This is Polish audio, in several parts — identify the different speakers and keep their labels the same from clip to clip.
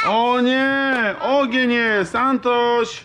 Speaker 1: O nie! Ogień jest! Antoś!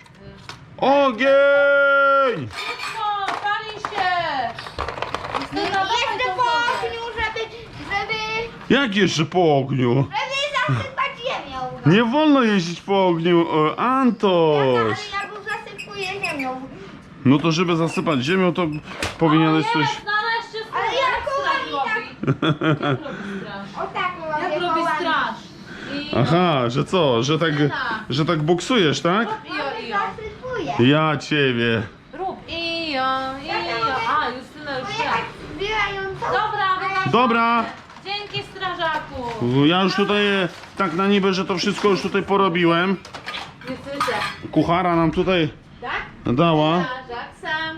Speaker 1: Ogień!
Speaker 2: O, pali się!
Speaker 3: Jeszcze po ogniu, żeby
Speaker 1: Jak jeszcze po ogniu?
Speaker 3: zasypać ziemią.
Speaker 1: Nie wolno jeździć po ogniu, Antoś!
Speaker 3: Ale ja go zasypuję ziemią.
Speaker 1: No to żeby zasypać ziemią, to powinieneś coś...
Speaker 2: Nareszcie
Speaker 3: Ale ja kołami tak. O tak
Speaker 2: Jak
Speaker 3: robię
Speaker 2: robi
Speaker 3: kołami.
Speaker 2: straż. I
Speaker 1: Aha, że co? Że tak boksujesz, tak?
Speaker 2: Ijo.
Speaker 3: Zasypuję.
Speaker 1: Ja ciebie.
Speaker 2: Rób. Ijo. A, Justyna już
Speaker 3: Bo
Speaker 2: wie.
Speaker 3: ja tak zbierając.
Speaker 2: Dobra, wyłączamy.
Speaker 1: Dobra.
Speaker 2: Dzięki strażaku.
Speaker 1: Ja już tutaj tak na niby, że to wszystko już tutaj porobiłem.
Speaker 2: Nie słyszę.
Speaker 1: Kuchara nam tutaj
Speaker 2: Tak?
Speaker 1: dała.
Speaker 2: Strażak sam.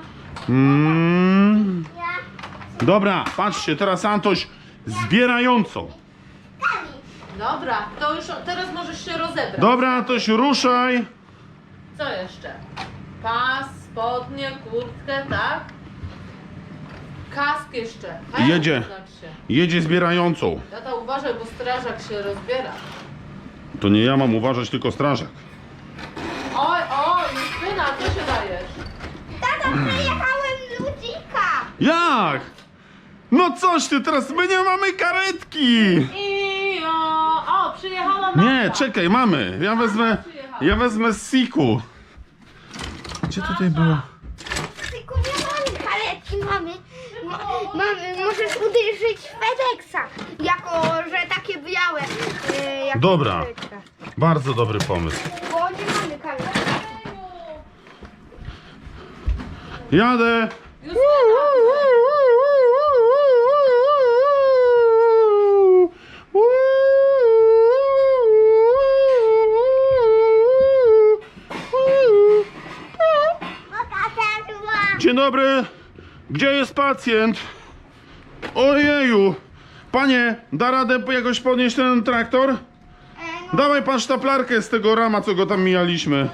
Speaker 3: Ja.
Speaker 1: Dobra, patrzcie, teraz Antoś zbierającą.
Speaker 2: Dobra, to już teraz możesz się rozebrać.
Speaker 1: Dobra, Antoś, ruszaj.
Speaker 2: Co jeszcze? Pas, spodnie, kurtkę, tak? Kask jeszcze.
Speaker 1: Jedzie.
Speaker 2: Znaczy.
Speaker 1: Jedzie zbierającą.
Speaker 2: Tata uważaj, bo strażak się rozbiera.
Speaker 1: To nie ja mam uważać, tylko strażak.
Speaker 2: Oj, Justyna, co się dajesz?
Speaker 3: Tato, przejechałem ludzika.
Speaker 1: Jak? No coś ty, teraz my nie mamy karetki.
Speaker 2: O, przyjechała mama.
Speaker 1: Nie, czekaj, mamy. Ja wezmę z Siku. Gdzie tutaj było?
Speaker 3: Tylko nie mamy karetki, mamy, możesz uderzyć FedExa, jako, że takie białe. Jak
Speaker 1: Dobra.
Speaker 3: karetka.
Speaker 1: Bardzo dobry pomysł.
Speaker 3: Bo nie mamy karetki.
Speaker 1: Jadę.
Speaker 2: Justyna,
Speaker 1: Dzień dobry. Gdzie jest pacjent? Ojeju. Panie, da radę jakoś podnieść ten traktor? Dawaj pan sztaplarkę z tego rama, co go tam mijaliśmy.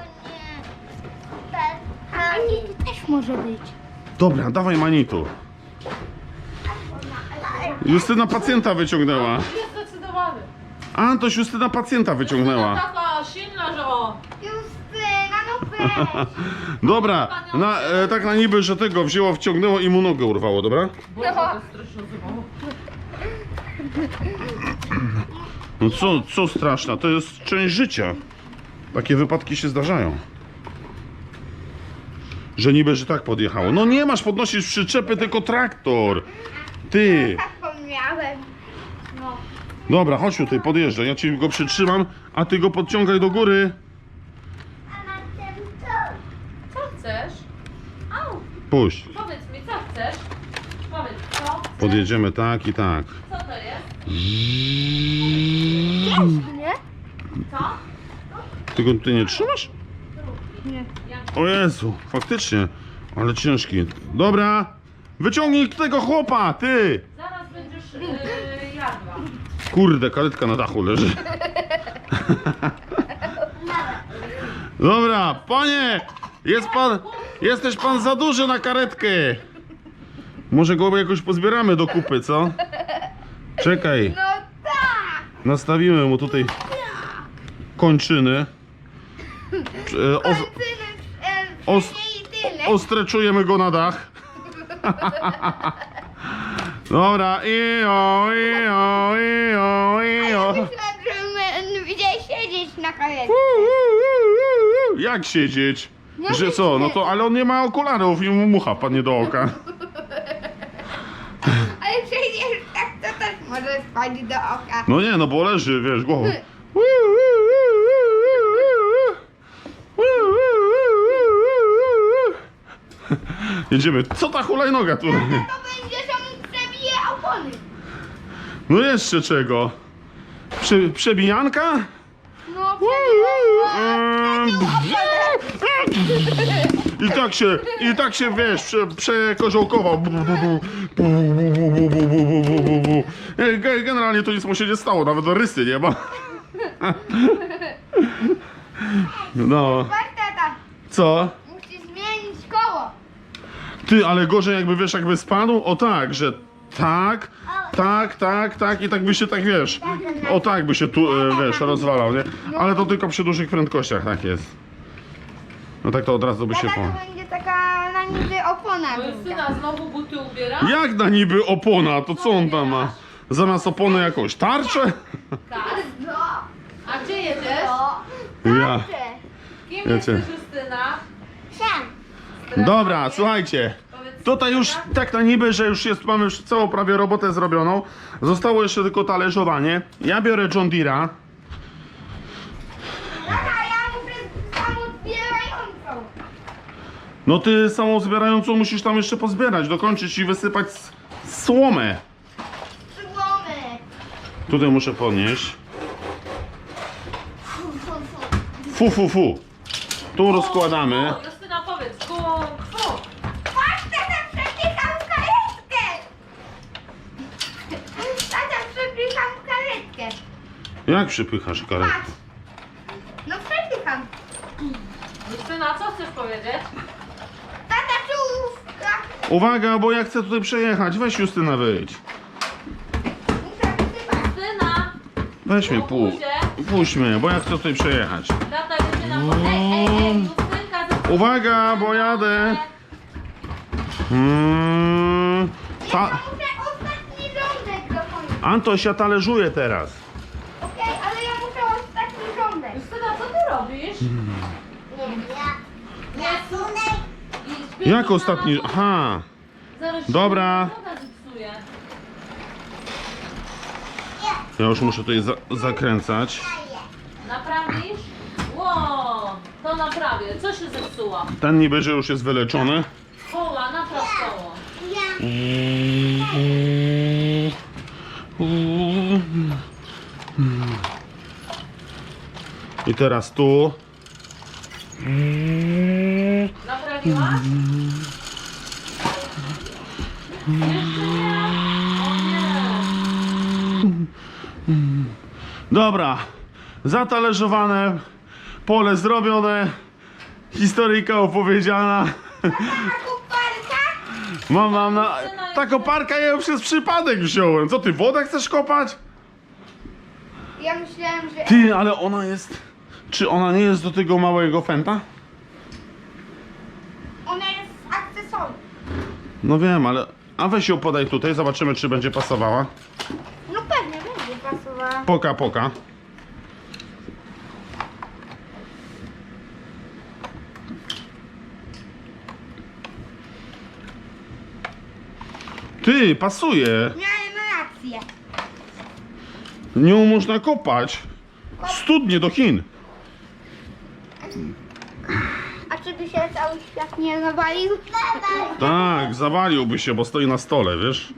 Speaker 3: A to też może być.
Speaker 1: Dobra, dawaj Manitu. Justyna pacjenta wyciągnęła.
Speaker 2: jest zdecydowany.
Speaker 1: Antoś, Justyna pacjenta wyciągnęła.
Speaker 2: Taka silna, że o.
Speaker 3: Justyna, no weź.
Speaker 1: Dobra, tak na niby, że tego wzięło, wciągnęło i mu nogę urwało, dobra?
Speaker 2: Boże, to straszne zabawa.
Speaker 1: No co straszne, to jest część życia. Takie wypadki się zdarzają. Że niby, że tak podjechało. No nie masz podnosić przyczepy, tylko traktor. Ty.
Speaker 3: Zapomniałem. No.
Speaker 1: Dobra, chodź tutaj, podjeżdżaj. Ja ci go przytrzymam, a ty go podciągaj do góry.
Speaker 3: A na tym co?
Speaker 2: Co chcesz? Au,
Speaker 1: Puść.
Speaker 2: powiedz mi, co chcesz? Powiedz, co chcesz?
Speaker 1: Podjedziemy tak i tak.
Speaker 2: Co to jest?
Speaker 3: Nie?
Speaker 2: Co?
Speaker 1: Ty go tutaj nie trzymasz?
Speaker 3: Nie.
Speaker 1: O Jezu, faktycznie. Ale ciężki. Dobra. Wyciągnij tego chłopa, ty.
Speaker 2: Zaraz będziesz jadła.
Speaker 1: Kurde, karetka na dachu leży. Dobra, panie, jesteś pan za duży na karetkę. Może go jakoś pozbieramy do kupy, co? Czekaj,
Speaker 3: No tak.
Speaker 1: nastawimy mu tutaj kończyny. Ostreczujemy go na dach. Dobra, ijo.
Speaker 3: Myślałem, że widziałeś siedzieć na karetce.
Speaker 1: Jak siedzieć? Że co? No to, ale on nie ma okularów i mu mucha padnie do oka.
Speaker 3: Ale przecież tak to też może spadć do oka.
Speaker 1: No nie, no bo leży, wiesz, głową. Jedziemy. Co ta hulajnoga tu?
Speaker 3: To będzie, że mu przebije opony.
Speaker 1: No jeszcze czego? Przebijanka?
Speaker 3: No
Speaker 1: I tak się wiesz, przekoziołkował. Generalnie to nic mu się nie stało, nawet rysy nie ma. No,
Speaker 3: Patrz tata,
Speaker 1: co?
Speaker 3: musisz zmienić koło.
Speaker 1: Ty, ale gorzej jakby wiesz, jakby spadł? O tak, że tak, Tak i tak by się, tak wiesz, o tak by się tu, wiesz, rozwalał, nie? Ale to tylko przy dużych prędkościach tak jest. No tak to od razu by się
Speaker 4: Tata,
Speaker 1: po...
Speaker 4: to będzie taka na niby opona
Speaker 2: No
Speaker 4: druga.
Speaker 2: Justyna, znowu buty ubiera?
Speaker 1: Jak na niby opona, to co on tam ma? Zamiast opony jakąś tarczę?
Speaker 2: Tak.
Speaker 4: No,
Speaker 2: A gdzie jedziesz?
Speaker 1: Ja.
Speaker 2: Kim
Speaker 1: Wiecie.
Speaker 2: jesteś, Justyna?
Speaker 4: Sam.
Speaker 1: Dobra, słuchajcie.
Speaker 2: Powiedz,
Speaker 1: Tutaj już tak na niby, że już jest, mamy już całą prawie robotę zrobioną. Zostało jeszcze tylko talerzowanie. Ja biorę John Deere'a.
Speaker 4: Tata, ja muszę samozbierającą.
Speaker 1: No ty samą zbierającą musisz tam jeszcze pozbierać, dokończyć i wysypać słomę.
Speaker 4: Słomy.
Speaker 1: Tutaj muszę podnieść. Fu. Tu rozkładamy.
Speaker 2: O, Justyna, powiedz, fu.
Speaker 4: Patrz, tata, przepycham karetkę. Tata, przepycham karetkę.
Speaker 1: Jak przypychasz karetkę?
Speaker 4: Patrz. No przepycham.
Speaker 2: Justyna, co chcesz powiedzieć?
Speaker 4: Tata, czołówka.
Speaker 1: Uwaga, bo ja chcę tutaj przejechać. Weź Justyna, wyjdź.
Speaker 4: Muszę wysypać.
Speaker 2: Justyna,
Speaker 1: Weź mnie, puść mnie, bo ja chcę tutaj przejechać.
Speaker 2: tata jedzie na po... Ej, Justynka,
Speaker 1: Uwaga, bo jadę.
Speaker 4: Ja muszę ostatni rządek dokończyć.
Speaker 1: Antoś, ja talerzuję teraz.
Speaker 4: Okej, ale ja muszę ostatni rządek.
Speaker 2: Justyna, co ty robisz?
Speaker 4: Nie,
Speaker 1: Jak ostatni? Aha. Dobra. Ja już muszę tutaj zakręcać.
Speaker 2: Naprawisz? Wow, to naprawię. Co się zepsuło?
Speaker 1: Ten niby, że już jest wyleczony.
Speaker 2: Koła, napraw koło.
Speaker 1: I teraz tu.
Speaker 2: Naprawiłaś? Jeszcze nie. O nie.
Speaker 1: Dobra. Zatalierzowane. Pole zrobione. Historyjka opowiedziana.
Speaker 4: koparka?
Speaker 1: Mam na... Ta koparka ja ją przez przypadek wziąłem. Co ty, wodę chcesz kopać?
Speaker 4: Ja myślałem, że...
Speaker 1: Ty, ale ona jest... Czy ona nie jest do tego małego fenta?
Speaker 4: Ona jest akcesorium.
Speaker 1: No wiem, ale... A weź ją podaj tutaj, zobaczymy czy będzie pasowała.
Speaker 4: No pewnie będzie pasowała.
Speaker 1: Poka. Ty, pasuje.
Speaker 4: Miałem rację.
Speaker 1: Nią można kopać. Studnie do Chin.
Speaker 4: A czy by się cały świat nie nawalił?
Speaker 1: Tak, zawaliłby się, bo stoi na stole, wiesz?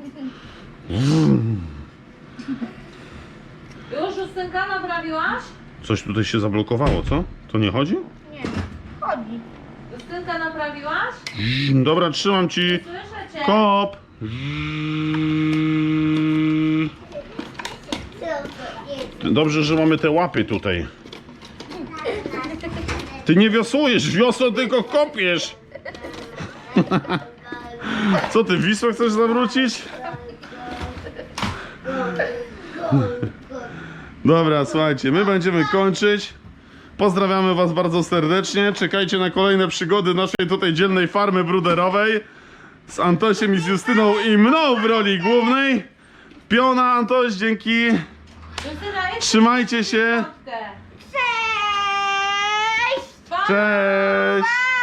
Speaker 2: Już Justynka naprawiłaś?
Speaker 1: Coś tutaj się zablokowało, co? To nie chodzi?
Speaker 4: Nie, chodzi.
Speaker 2: Justynka naprawiłaś?
Speaker 1: Dobra, trzymam ci.
Speaker 2: Słyszę cię.
Speaker 1: Kop. Dobrze, że mamy te łapy tutaj. Ty nie wiosłujesz, wiosło tylko kopiesz. Co ty, Wisłę chcesz zawrócić? Dobra, słuchajcie, my będziemy kończyć. Pozdrawiamy was bardzo serdecznie. Czekajcie na kolejne przygody naszej tutaj dzielnej farmy bruderowej. Z Antosiem i z Justyną i mną w roli głównej. Piona, Antoś, dzięki.
Speaker 2: Justyna, jeszcze
Speaker 1: Trzymajcie się.
Speaker 2: piątkę.
Speaker 4: Cześć!
Speaker 2: Pa!
Speaker 1: Cześć.